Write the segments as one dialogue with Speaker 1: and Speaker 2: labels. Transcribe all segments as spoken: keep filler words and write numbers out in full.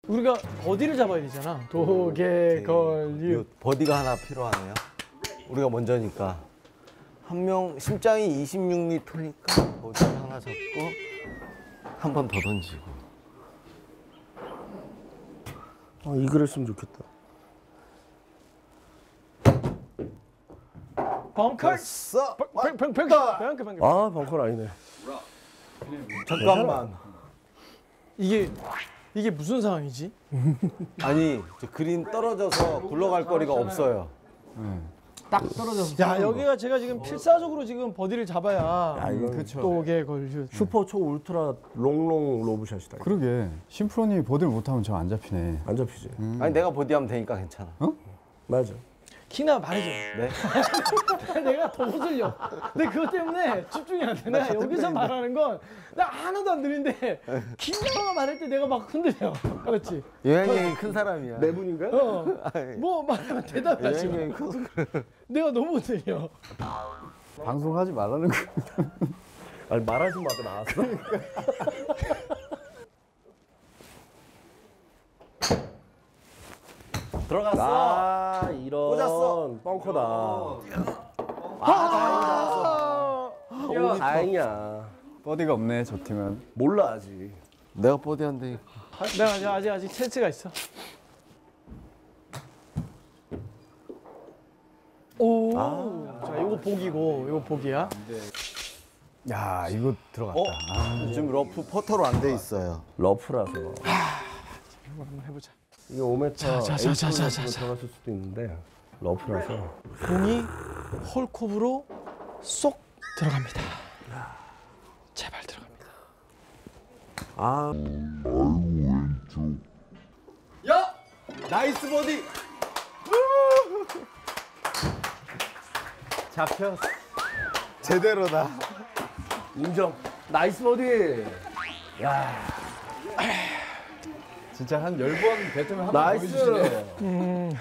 Speaker 1: 우리가 버디를 잡아야 되잖아. 도개걸유.
Speaker 2: 버디가 하나 필요하네요. 우리가 먼저니까. 한 명 심장이 이십육 리터니까 버디 하나 잡고 한 번 더 던지고.
Speaker 3: 아, 이글했으면 좋겠다.
Speaker 1: 벙커.
Speaker 2: 써.
Speaker 1: 벙커 벙커 벙커 벙커.
Speaker 3: 아, 벙커는 아니네.
Speaker 2: 잠깐만.
Speaker 1: 이게 이게 무슨 상황이지?
Speaker 2: 아니 저 그린 떨어져서 굴러갈 거리가 없어요.
Speaker 1: 딱 떨어져서. 야, 여기가 제가 지금 필사적으로 지금 버디를 잡아야
Speaker 3: 아, 이건
Speaker 1: 도개걸유.
Speaker 3: 슈퍼 초 울트라 롱롱 로브샷이다.
Speaker 4: 그러게 심프로님이 버디를 못하면 저 안 잡히네.
Speaker 3: 안 잡히지.
Speaker 4: 음.
Speaker 2: 아니 내가 버디하면 되니까 괜찮아.
Speaker 3: 맞아.
Speaker 1: 키나 말해줘.
Speaker 2: 네?
Speaker 1: 내가 더 흔들려. 근데 그것 때문에 집중이 안 돼. 내가 여기서 말하는 건 나 하나도 안 들리는데 키나가 말할 때 내가 막 흔들려. 그렇지?
Speaker 2: 여행이 큰 사람이야.
Speaker 3: 네 분인가?
Speaker 1: 어. 뭐 말하면 대답하지.
Speaker 2: 여행이 커서 그래.
Speaker 1: 내가 너무 흔들려.
Speaker 4: 방송하지 말라는 거.
Speaker 3: 아니 말하지 마도 나왔어.
Speaker 2: 들어갔어.
Speaker 3: 아, 이런
Speaker 2: 꽂았어.
Speaker 3: 벙커다.
Speaker 1: 아,
Speaker 3: 오, 다행이야.
Speaker 4: 버디가 없네 저 팀은.
Speaker 3: 몰라 아직.
Speaker 2: 내가 버디한데.
Speaker 1: 내가 아직 아직 아직 찬스가 있어. 오. 자, 이거 복이고, 이거 복이야.
Speaker 4: 야 이거 들어갔다.
Speaker 2: 어? 요즘 러프 퍼터로 안 돼 있어요.
Speaker 3: 러프라서.
Speaker 1: 한번 해보자.
Speaker 3: 이게 오 미터
Speaker 1: 자, 자, 자, 자, 자, 자, 자.
Speaker 3: 들어갔을 수도 있는데 러프라서.
Speaker 1: 공이 홀컵으로 쏙 들어갑니다. 제발 들어갑니다.
Speaker 3: 아,
Speaker 2: 야! 나이스 버디!
Speaker 3: 잡혔어.
Speaker 2: 제대로다.
Speaker 3: 인정. 나이스 버디. 야,
Speaker 4: 진짜 한 열 번 뱉으면 한번
Speaker 3: 나이스.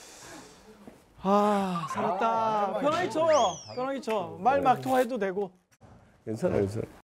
Speaker 1: 아, 살았다. 편하게 쳐. 편하게 쳐. 말 막 통화해도 되고.
Speaker 3: 괜찮아, 괜찮아.